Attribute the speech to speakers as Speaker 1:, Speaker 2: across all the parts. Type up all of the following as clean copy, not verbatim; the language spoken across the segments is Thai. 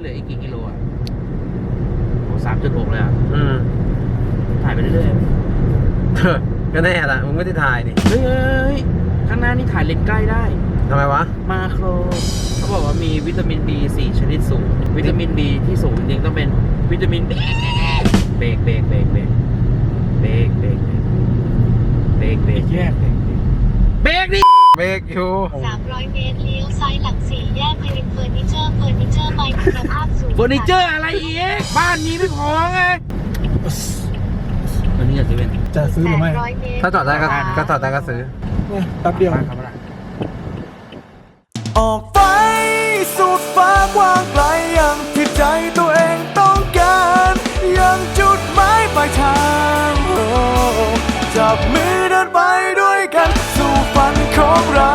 Speaker 1: ลืออีกกี่กิโลอ่ะโอ้3.6เลยอ่ะถ่ายไปเรื่อย
Speaker 2: ๆก็แน่ละมึงไม่ได้ถ่ายนี่
Speaker 1: เฮ้ยข้างหน้านี่ถ่ายเลนส์ใกล้ได้
Speaker 2: ทำไมวะ
Speaker 1: มาโครเขาบอกว่ามีวิตามิน B 4 ชนิดสูงวิตามิน B ที่สูงจริงต้องเป็นวิตามิน B เบรกแยกเบรกดิ
Speaker 2: เบรกอยู่
Speaker 3: 300 เมตรเลี้ยวซ้ายหลัง4 แยกไพรินเฟอร์นิเจอร์ไปคุณภาพสูง
Speaker 1: เฟอร์นิเจอร์อะไรอีกบ้านนี้ไม่พอไงวันนี้จะซื้อเป็น
Speaker 4: จะซื้อหรือไม่
Speaker 2: ถ้าจอดได้ก็จอดได้ก็ซื้อ
Speaker 4: แป๊บเดียว
Speaker 5: ออกไปสุดฟ้ากว้างไกลอย่างที่ใจตัวเองต้องการอย่างจุดหมายปลายทางจับมือเดินไปด้วยกันสู่ฝันของเรา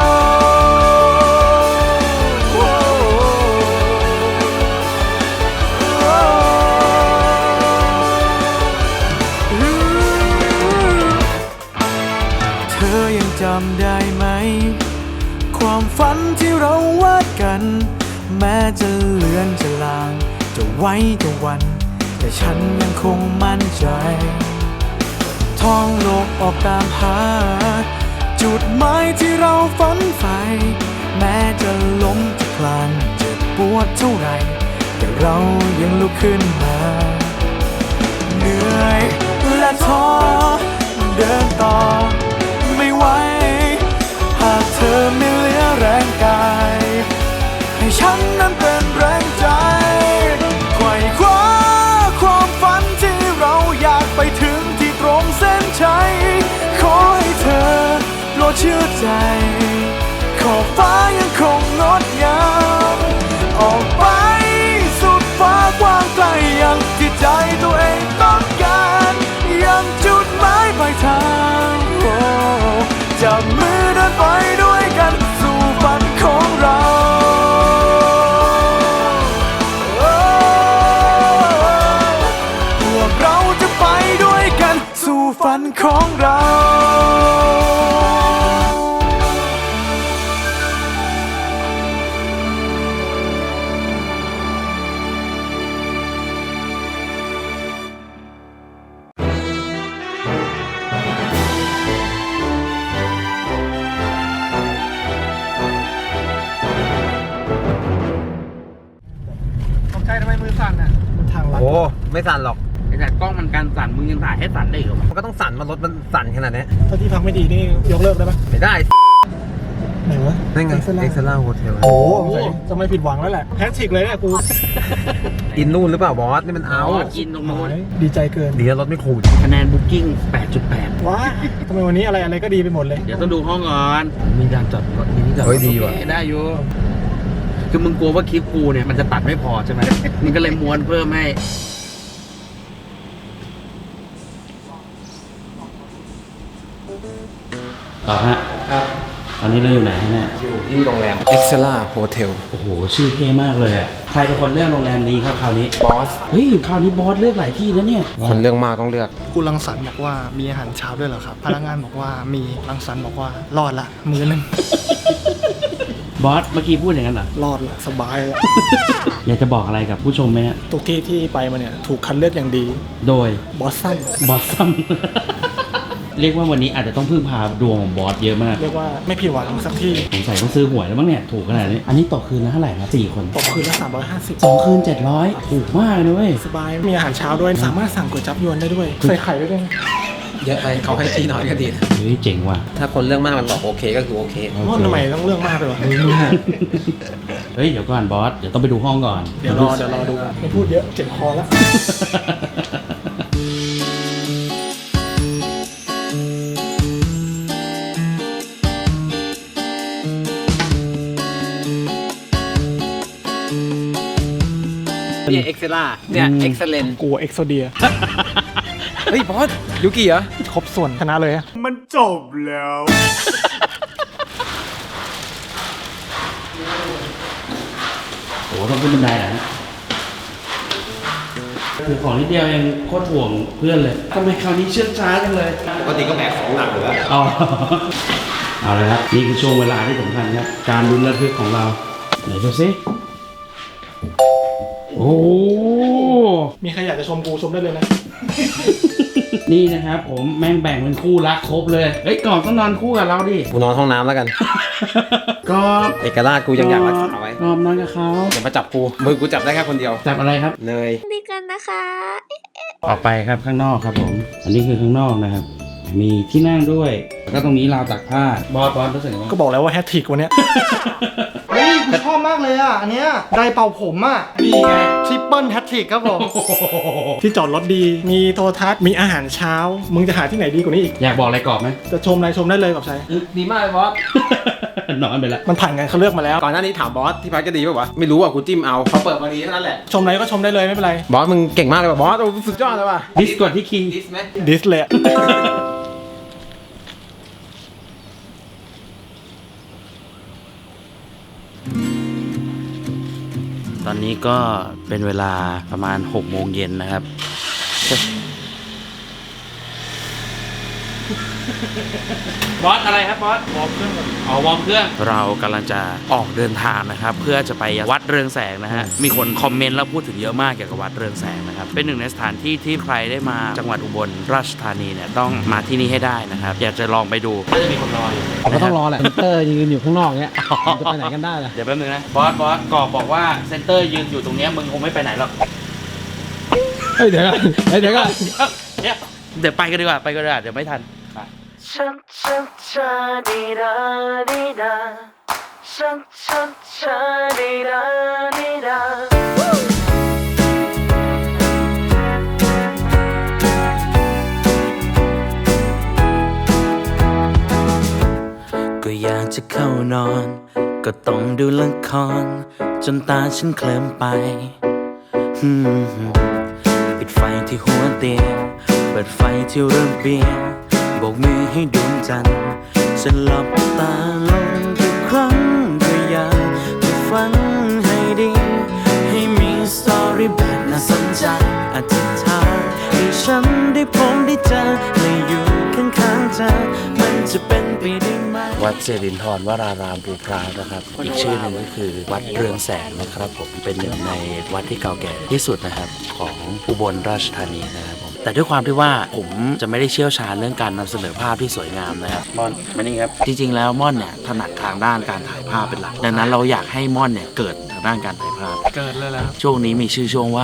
Speaker 5: เธอยังจำได้ไหมความฝันที่เราวาดกันแม้จะเลือนจะลางจะไว้จะวันแต่ฉันยังคงมั่นใจท่องโลกออกตามหาจุดหมายที่เราฝันใฝ่แม้จะล้มจะคลานเจ็บปวดเท่าไรแต่เรายังลุกขึ้นมาเหนื่อยและท้อเดินต่อไม่ไหวหากเธอไม่เหลือแรงกายให้ฉันนั้นเป็นแรงใจไขว่คว้าความฝันที่เราอยากไปถึงที่ตรงเส้นชัยขอให้เธอโปรดเชื่อใจขอบฟ้ายังคงงดงามออกไปสุดฟ้ากว้างไกลอย่างที่ใจตัวเองต้องการยังจุดหมายปลายทางจับมือเดินไปด้วยกันสู่ฝันของเราพวกเราจะไปด้วยกันสู่ฝันของเรา
Speaker 4: ทำไมมือสั่นอ่ะทางลัด
Speaker 2: โอ้ไม่สั่นหรอก
Speaker 1: แต่กล้องมันการสั่นมึงยังถ่ายให้สั่นได้เหรอ
Speaker 2: มันก็ต้องสั่นมันรถมันสั่นขนาดนี้
Speaker 4: ถ้าที่พักไม่ดีนี่ยกเลิกได้ปะ
Speaker 2: ไม่ได้
Speaker 4: ไหนวะ
Speaker 2: นั่นไงเอ็กซ์ล่าโฮเทล
Speaker 4: โอ้จะไม่ผิดหวังแล้วแหละแฮชทิกเลยเนี่ยกู
Speaker 2: อินนู่นหรือเปล่าบอสนี่มันเอา
Speaker 1: กินตรงนู้น
Speaker 4: ดีใจเกิน
Speaker 2: ดีแล้วรถไม่ขูด
Speaker 1: คะแนนบุ๊กิ้ง 8.8
Speaker 4: ว้าทำไมวันนี้อะไรก็ดีไปหมดเลย
Speaker 1: เดี๋ยวต้องดูห้องก่อนมีการจอดรถมีที่จอดรถ
Speaker 2: ดีว่ะ
Speaker 1: ได้อยู่คือมึงกลัวว่าคลิปกูเนี่ยมันจะตัดไม่พอใช่ไหมมึงก็เลยม้วนเพิ่มให้
Speaker 6: ต่อฮะครับตอนนี้เราอยู่ไหนเนี่ย
Speaker 2: อยู่ที่โรงแรม Excella Hotel
Speaker 6: โอ้โหชื่อเท่มากเลยอ่ะใครเป็นคนเลือกโรงแรมนี้ครับคราวนี้
Speaker 2: บอส
Speaker 6: เฮ้ยคราวนี้บอสเลือกหลายที่แล้วเนี่ย
Speaker 2: คนเลือกมากต้องเลือก
Speaker 5: คุณรังสรรค์บอกว่ามีอาหารเช้าด้วยเหรอครับพนักงานบอกว่ามีรังสรรค์บอกว่ารอดละมื้อนึง
Speaker 6: บอสเมื่อกี้พูดอย่างนั้นเหรอ
Speaker 5: รอดละสบายละ
Speaker 6: อยากจะบอกอะไรกับผู้ชมไหมฮะ
Speaker 5: ทุกที่ที่ไปมาเนี่ยถูกคัดเลือกอย่างดี
Speaker 6: โดย
Speaker 5: บอสซั
Speaker 6: มเรียกว่าวันนี้อาจจะต้องพึ่งพาดวงของบอสเยอะมาก
Speaker 5: เรียกว่าไม่ผิดหวังสักที่
Speaker 6: สงสัยต้องซื้อหวยแล้วมั้งเนี่ยถูกขนาดนี้อันนี้ต่อคืนละเท่าไหร่ครับ4 คน
Speaker 5: ต่อคืนละ350
Speaker 6: 2 คืน700ถูกมากเลยเว้ย
Speaker 5: สบายมีอาหารเช้าด้วยสามารถสั่งก๋วยจั๊บยวนได้ด้วยใส่ไข่ด้วย
Speaker 2: เยอะไปเขาให้ที่น้อยก็ดี
Speaker 6: เฮ้ยเจ๋งว่ะ
Speaker 2: ถ้าคนเรื่องมากมันบอกโอเคก็คือโอเค
Speaker 5: ทำไมต้องเรื่องมากเลยวะ
Speaker 6: เฮ้ยเดี๋ยวก่อนบอสเดี๋ยวต้องไปดูห้องก่อน
Speaker 5: เดี๋ยวรอดูไม่พูดเยอะเจ็บคอแล้ว
Speaker 2: เนี่ย Excella เนี่ย Excellent
Speaker 5: กู Exodia
Speaker 2: เฮ้ยบอสยูกิเหรอ
Speaker 5: ครบส่วนชนะเลยมันจบแล้ว
Speaker 6: โอ้ต้องขึ้นบันไดนะคือของนิดเดียวยังโคตรห่วงเพื่อนเลยทำไมคราวนี้เชื่องช้าจังเลย
Speaker 2: ปกติก็แบกของหนักอยู่แล้ว
Speaker 6: เอาเลยครับนี่คือช่วงเวลาที่สำคัญครับการลุ้นระทึกของเราไหนดูซิโอ้โอ้
Speaker 4: มีใครอยากจะชมกูชมได้เลยนะ
Speaker 6: นี่นะครับผมแม่งแบ่งเป็นคู่รักครบเลยเฮ้ยก่อนต้องนอนคู่กับเราดิ
Speaker 2: กูนอนห้องน้ำแล้วกัน
Speaker 6: ก็
Speaker 2: เอกราชกูยังอยากรักษาไว้
Speaker 6: กอบนอนกับเขา
Speaker 2: อย่ามาจับกูมือกูจับได้แค่คนเดียว
Speaker 6: จับอะไรครับ
Speaker 2: เนย
Speaker 3: ดีกันนะคะ
Speaker 6: ออกไปครับข้างนอกครับผม อันนี้คือข้างนอกนะครับ มีที่นั่งด้วยแล้วก็ตรงนี้ราวตักผ้าบอสรู้สึกยังไง
Speaker 4: ก็บอกแล้วว่าแฮตทริกวันเนี้ย เฮ้ยกูชอบมากเลยอ่ะ อันเนี้ยไดร์เป่าผมอ่ะ
Speaker 6: นี่ไง
Speaker 4: ทริปเปิลแฮตทริกครับผม ที่จอดรถดี มีโทรทัศน์ มีอาหารเช้า มึงจะหาที่ไหนดีกว่านี้อีก
Speaker 6: อยากบอกอะไรกรอบไหม
Speaker 4: จะชมอะไรชมได้เลยกับชัย
Speaker 2: ดีมากเลยบอส
Speaker 6: นอนไปแล้ว
Speaker 4: มันผ่านการเขาเลือกมาแล้ว
Speaker 2: ก่อนหน้านี้ถามบอสที่พักจะดีป่าวะไม่รู้อ่ะกูจิ้มเอาพอเปิดมาดีเท่านั้นแหละ
Speaker 4: ชมอะไรก็ชมได้เลยไม่เป็นไร
Speaker 2: บอสมึงเก่งมากเลยว่ะบอสโอ้สุดยอดเลยว่ะ
Speaker 6: ดิสกดที่คิง
Speaker 2: ดิสไหม
Speaker 4: ดิสเลย
Speaker 6: ตอนนี้ก็เป็นเวลาประมาณ6 โมงเย็นนะครับ บอสอะไรครับบอสวอร์มเครื่องวอร์มเครื่องเรากำลังจะออกเดินทางนะครับเพื่อจะไปวัดเรืองแสงนะฮะมีคนคอมเมนต์แล้วพูดถึงเยอะมากเกี่ยวกับวัดเรืองแสงนะครับเป็นหนึ่งในสถานที่ที่ใครได้มาจังหวัดอุบลราชธานีเนี่ยต้องมาที่นี่ให้ได้นะครับอยากจะลองไปดูน่าจะมีคนรออยู่
Speaker 2: ผมก็ต้องรอแหละเซนเตอร์ยืนอยู่ข้างนอกเนี้ยจะไปไหนกันได้ล่ะ
Speaker 6: เดี๋ยวแป๊บนึงนะบอสกอบบอกว่าเซนเตอร์ยืนอยู่ตรงเนี้ยมึงคงไม่ไปไหนหรอก
Speaker 2: เฮ้ยเดี๋ยวก่อนเดี๋ยวก่อน
Speaker 6: เดี๋ยวไปกันดีกว่าเดี๋ยวไม่ทันไปก็อยากจะเข้านอน ก็ต้องดูละครจนตาฉันเคลิ้มไปปิดไฟที่หัวเตียงเปิดไฟที่ระเบียงโบกมือให้ดวงจันทร์ฉันหลับตาลงทุกครั้งก็อยากจะฝันให้ดีให้มีสตอรี่แบบน่าสนใจอธิษฐานให้ฉันได้พบได้เจอและอยู่ข้างๆเธอมันจะเป็นไปได้ไหมวัดเจริญธรวรารามภูพร้าวนะครับอีกชื่อหนึ่งก็คือวัดเรืองแสงนะครับผมเป็นหนึ่งในวัดที่เก่าแก่ที่สุดนะครับของอุบลราชธานีนะครับผมแต่ด้วยความที่ว่าผมจะไม่ได้เชี่ยวชาญเรื่องการนำเสนอภาพที่สวยงามนะครับม่อนมานี่ครับจริงๆแล้วม่อนเนี่ยถนัดทางด้านการถ่ายภาพเป็นหลักดังนั้นเราอยากให้ม่อนเนี่ยเกิดทางด้านการถ่ายภาพ
Speaker 4: เกิดเลยแล้ว
Speaker 6: ช่วงนี้มีชื่อช่วงว่า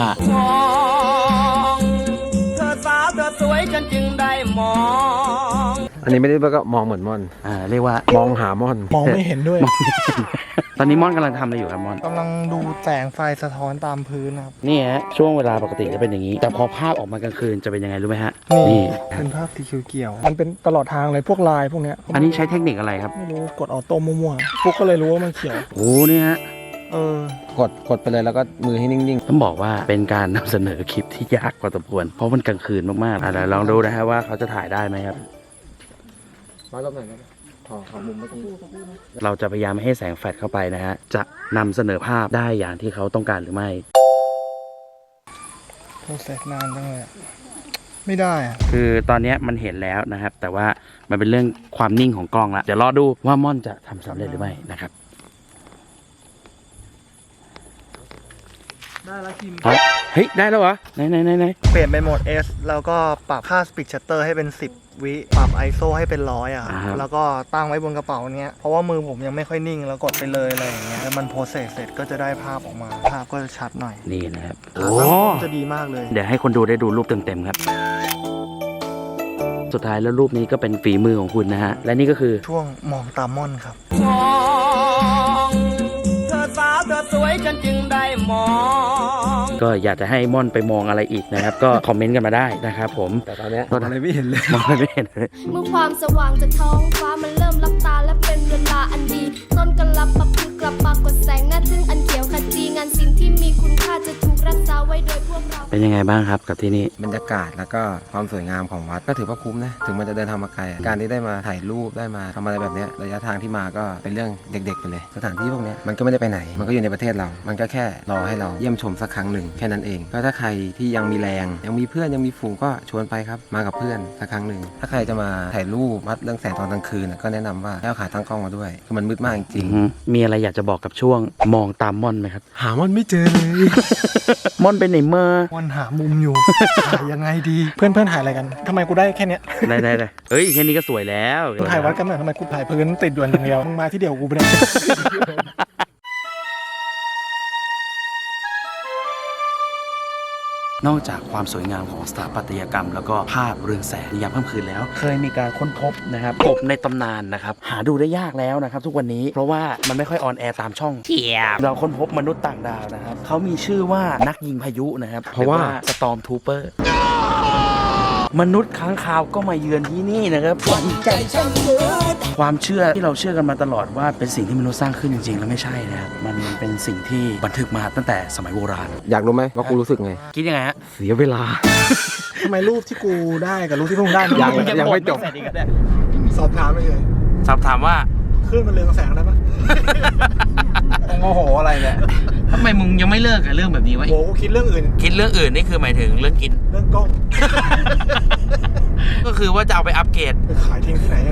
Speaker 6: เธอสาวเธอสวยฉันจึงได้มอง
Speaker 2: อันนี้ไม่ได้ก็มองเหมือนม่อน
Speaker 6: เรียกว่าม
Speaker 2: องหาม่อน
Speaker 4: มองไม่เห็นด้วย
Speaker 6: ตอนนี้ม่อนกำลังทำอะไรอยู่ครับม่อน
Speaker 4: กำลังดูแสงไฟสะท้อนตามพื้นนะครับ
Speaker 6: นี่ฮะช่วงเวลาปกติจะเป็นอย่างนี้ แต่พอภาพออกมากลางคืนจะเป็นยังไงรู้ไหมฮะ
Speaker 4: นี่
Speaker 6: นี่
Speaker 4: เป็นภาพสีเขียวๆมันเป็นตลอดทางเลยพวกลายพวกเนี้ย
Speaker 6: อันนี้ใช้เทคนิคอะไรครับ
Speaker 4: ไม่รู้กดออโต้มั่วๆพวกก็เลยรู้ว่ามันเขียว
Speaker 6: โอ้นี่ฮะ
Speaker 2: กดไปเลยแล้วก็มือให้นิ่ง
Speaker 6: ต้องบอกว่าเป็นการนำเสนอคลิปที่ยากพอสมควรเพราะมันกลางคืนมากๆเดี๋ยวลองดูนะฮะว่าเขาจะถ่ายได้ไหมครับ
Speaker 2: ๆมาลบหน่อยนะขอมุมเมื่อกี้
Speaker 6: เราจะพยายามไม่ให้แสงแฟลชเข้าไปนะฮะจะนำเสนอภาพได้อย่างที่เขาต้องการหรือไม่
Speaker 4: โปรเซสนานจังเลยอะไม่ได้อะ
Speaker 6: คือตอนนี้มันเห็นแล้วนะครับ แต่ว่ามันเป็นเรื่องความนิ่งของกล้องละเดี๋ยวรอดูว่าม่อนจะทำสำเร็จหรือไม่นะครับ
Speaker 4: ได้แล้วคิม
Speaker 6: เฮ้ยได้แล้วเหรอไหน
Speaker 4: เปลี่ยนเป็นโหมด S แล้วก็ปรับค่า Speed Shutter ให้เป็น 10 วิปรับ ISO ให้เป็น100อ่ะแล้วก็ตั้งไว้บนกระเป๋าเนี้ยเพราะว่ามือผมยังไม่ค่อยนิ่งแล้วกดไปเลยอะไรอย่างเงี้ยแล้วมันโพสเสร็จก็จะได้ภาพออกมาภาพก็จะชัดหน่อย
Speaker 6: นี่นะครับ
Speaker 4: โอ้
Speaker 6: โอ้
Speaker 4: จะดีมากเลย
Speaker 6: เดี๋ยวให้คนดูได้ดูรูปเต็มๆครับ สุดท้ายแล้วรูปนี้ก็เป็นฝีมือของคุณนะฮะและนี่ก็คือ
Speaker 4: ช่วงมองตามม่อนครับ
Speaker 6: เธอสาวเธอสวยฉันจึงได้มองก็อยากจะให้ม่อนไปมองอะไรอีกนะครับ ก็คอมเมนต์กันมาได้นะครับผม
Speaker 2: แต่ตอนเนี้ยอะไรไม่เห็นเลย
Speaker 6: มองอะไรไม่เห็นเลย
Speaker 7: เมื่อความสว่างจากท้องฟ้ามันเริ่มลับตาและเป็นเวลาอันดี ต้นกลับประพฤติกลับปรากฏแสงหน้าทึ่งอันเขียวขจีงานสิ่งที่มีคุณค่าจะถูกรักษาไว้โดยพวกเรา
Speaker 1: เป็นยังไงบ้างครับกับที่นี่
Speaker 2: บรรยากาศแล้วก็ความสวยงามของวัดก็ถือว่าคุ้มนะถึงมันจะเดินทางมาไกลการที่ได้มาถ่ายรูปได้มาทำอะไรแบบเนี้ยระยะทางที่มาก็เป็นเรื่องเด็กๆไปเลยสถานที่พวกเนี้ยมันก็ไม่ได้ไปไหนมันก็อยู่ในประเทศเรา มันก็แค่รอให้เราเยี่ยมชมสักครั้งหนึ่งแค่นั้นเองก็ถ้าใครที่ยังมีแรงยังมีเพื่อนยังมีฝูงก็ชวนไปครับมากับเพื่อนสักครั้งหนึ่งถ้าใครจะมาถ่ายรูปวัดเรื่องแสงตอนกลางคืนก็แนะนำว่าให้เอาขาตั้งกล้องมาด้วยคือมันมืดมากจริง
Speaker 1: มีอะไรอยากจะบอกกับช่วงมองตามม่อนไหมครับ
Speaker 2: หามันไม่เจอเลย
Speaker 1: ม่อนเป็นไหนเมื่อ
Speaker 4: วันหามุมอยู่ ถ่ายยังไงดี เพื่อนถ่ายอะไรกันทำไมกูได้แค่เนี้ย
Speaker 1: ได้เฮ้ยแค่นี้ก็สวยแล้ว
Speaker 4: กูถ่ายวัดกันหน่อยทำไมกูถ่ายพื้นติดด่วนอย่างเดียวมึงมาที่เดียวกูไปเลย
Speaker 1: นอกจากความสวยงามของสถาปัตยกรรม แล้วก็ภาพเรืองแสงในยามค่ำคืนแล้ว เคยมีการค้นพบนะครับกบในตำนานนะครับหาดูได้ยากแล้วนะครับทุกวันนี้เพราะว่ามันไม่ค่อยออนแอร์ตามช่องเราค้นพบมนุษย์ต่างดาวนะครับเขามีชื่อว่านักยิงพายุนะครับเพราะว่าสตอมทูเปอร์มนุษย์ค้างคาวก็มาเยือนที่นี่นะครับความเชื่อที่เราเชื่อกันมาตลอดว่าเป็นสิ่งที่มนุษย์สร้างขึ้นจริงๆแล้วไม่ใช่นะครับมันเป็นสิ่งที่บันทึกมาตั้งแต่สมัยโบราณ
Speaker 2: อยากรู้ไหมว่ากูรู้สึกไง
Speaker 1: คิดยังไงฮะ
Speaker 2: เสียเวลา
Speaker 4: ทำไมรูปที่กูได้กับรูปที่พวกมึงได้
Speaker 2: ยังไม่จบ
Speaker 4: สอบถามไปเลย
Speaker 1: สอบถามว่า
Speaker 4: ขึ้นมันเรืองแสงได้ปะ
Speaker 2: โมโหอะไรเนี่ย
Speaker 1: ทำไมมึงยังไม่เลิกกับเรื่องแบบนี้วะ
Speaker 4: โหกูคิดเรื่องอื่น
Speaker 1: คิดเรื่องอื่นนี่คือหมายถึงเรื่องกิน
Speaker 4: เรื่องกล้อง
Speaker 1: ก็คือว่าจะเอาไปอัปเกรด
Speaker 4: ไปขายทิ้งที่ไหนอะ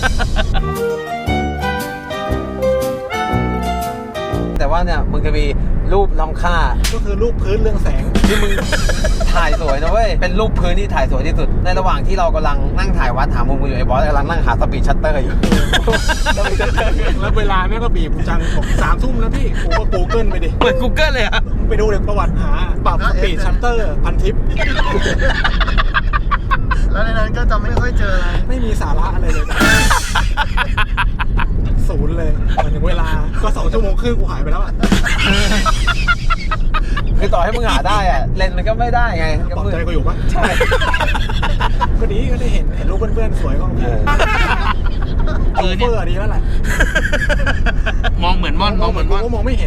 Speaker 2: แต่ว่าเนี่ยมึงจะมีรูปล้ำค่า
Speaker 4: ก็คือรูปพื้นเรืองแสง
Speaker 2: ที่มึงถ่ายสวยนะเว้ยเป็นรูปพื้นที่ถ่ายสวยที่สุดในระหว่างที่เรากำลังนั่งถ่ายวัดหามุมอยู่ไอ้บอสกำลังนั่งหาสปีดชัตเตอร์อยู่
Speaker 4: แล้วเวลาแม่ก็บีบจังบอก3 ทุ่มแล้วพี่กูก็กูเกิลไปดิ
Speaker 1: เปิด Google เลยอะ
Speaker 4: ไปดูเลยประวัติหาปรับสปีดชัตเตอร์พันทิป แล้วในนั้นก็จะไม่ค่อยเจออะไรไม่มีสาระอะไรเลยศูนย์เลยเหมือนถึงเวลาก็2 ชั่วโมงครึ่งกูหายไปแล้วอ่ะ
Speaker 2: คือต่อให้มึงหาได้อะเลนส์มันก็ไม่ได้ไง
Speaker 4: ปลอบใจกูอยู่ปะใช่ ก็ดีก็ได้เห็นรูปเพื่อนๆสวยก็โอเคโอเฟอร์ดีแล้วแหละ
Speaker 1: มองเหมือนม่อนมองเหมือนม่อน
Speaker 4: กูก็มองไม่เห็น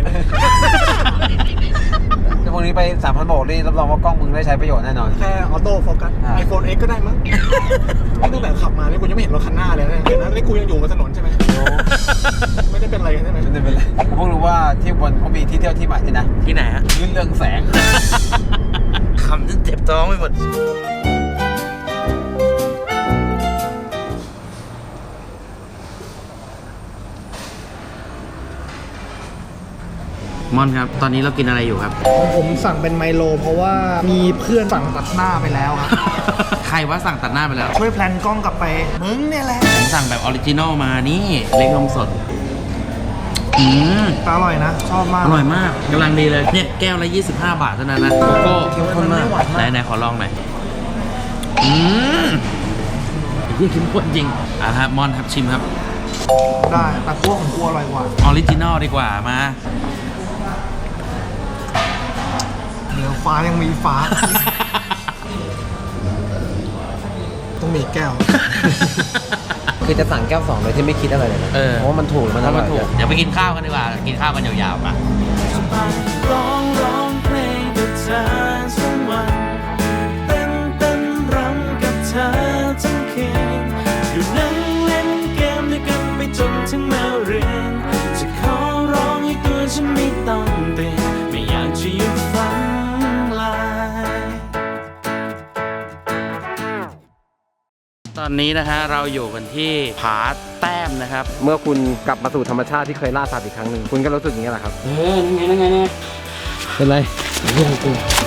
Speaker 2: ถ้าพวกนี้ไป 3,000 โบกนี่รับรองว่ากล้องมึงได้ใช้ประโยชน์แน่นอน
Speaker 4: แค่ออโต้โฟกัส iPhone X ก็ได้มั้งตั้งแต่ขับมานี่กูยังไม่เห็นรถคันหน้าเลยนะเห็นนะนี่กูยังอยู่บนถนนใช่ไหมไม่ได้เป็นอะไรกันใช่ไหม
Speaker 2: ไม่เป็นไรผมเพิ่งรู้ว่าที่บนเขามีที่เที่ยวที่ใหม่ด้วยนะ
Speaker 1: ที่ไหนฮะ
Speaker 2: ลื่นเรืองแสง
Speaker 1: คำจนเจ็บท้องไปหมดม่อนครับตอนนี้เรากินอะไรอยู่ครับ
Speaker 4: ผมสั่งเป็นไมโลเพราะว่ามีเพื่อนสั่งตัดหน้าไปแล้วครับ
Speaker 1: ใครว่าสั่งตัดหน้าไปแล้ว
Speaker 4: ช่วยแพลนกล้องกลับไปมึงเนี่ยแหละ
Speaker 1: ผมสั่งแบบออริจินอลมานี่เล็กนมสด
Speaker 4: อร่อยนะ ชอบมาก
Speaker 1: อร่อยมากกำลังดีเลยเนี่ยแก้วละ25 บาทเท่านั้นนะโกโก้เข้มข้นมากไหนขอลองหน่อยยิ่งเข้มข้นจริงครับมอนครับชิมครับ
Speaker 4: ได้แต่พวกของกูอร่อยกว่า
Speaker 1: ออริจินอลดีกว่ามา
Speaker 4: เหนือฟ้ายังมีฟ้า ต้องมีแก้ว
Speaker 2: คือจะสั่งแก้ว2โดยที่ไม่คิดอะไรเลยนะเพราะว่ามันถูกมันอร่อย
Speaker 1: เดี๋ยวไปกินข้าวกันดีกว่ากินข้าวกันยาวๆมา
Speaker 5: ร้องเพลงกับเธอทั้งวันเต้นรำกับเธอทั้งคืนอยู่นั่งเล่นเกมด้วยกันไปจนถึงแมวเรียนจะขอร้องให้ตัวฉันไม่ต้องเตือนไม่อยากจะหยุดฝันลาย
Speaker 1: ตอนนี้นะฮะเราอยู่กันที่ผาแต้มนะครับ
Speaker 2: เมื่อคุณกลับมาสู่ธรรมชาติที่เคยล่าสัตว์อีกครั้งหนึ่งคุณก็รู้สึกอย่างนี้แหละครับ
Speaker 1: นั่นไง
Speaker 2: เป็นไร
Speaker 1: เรื่องกู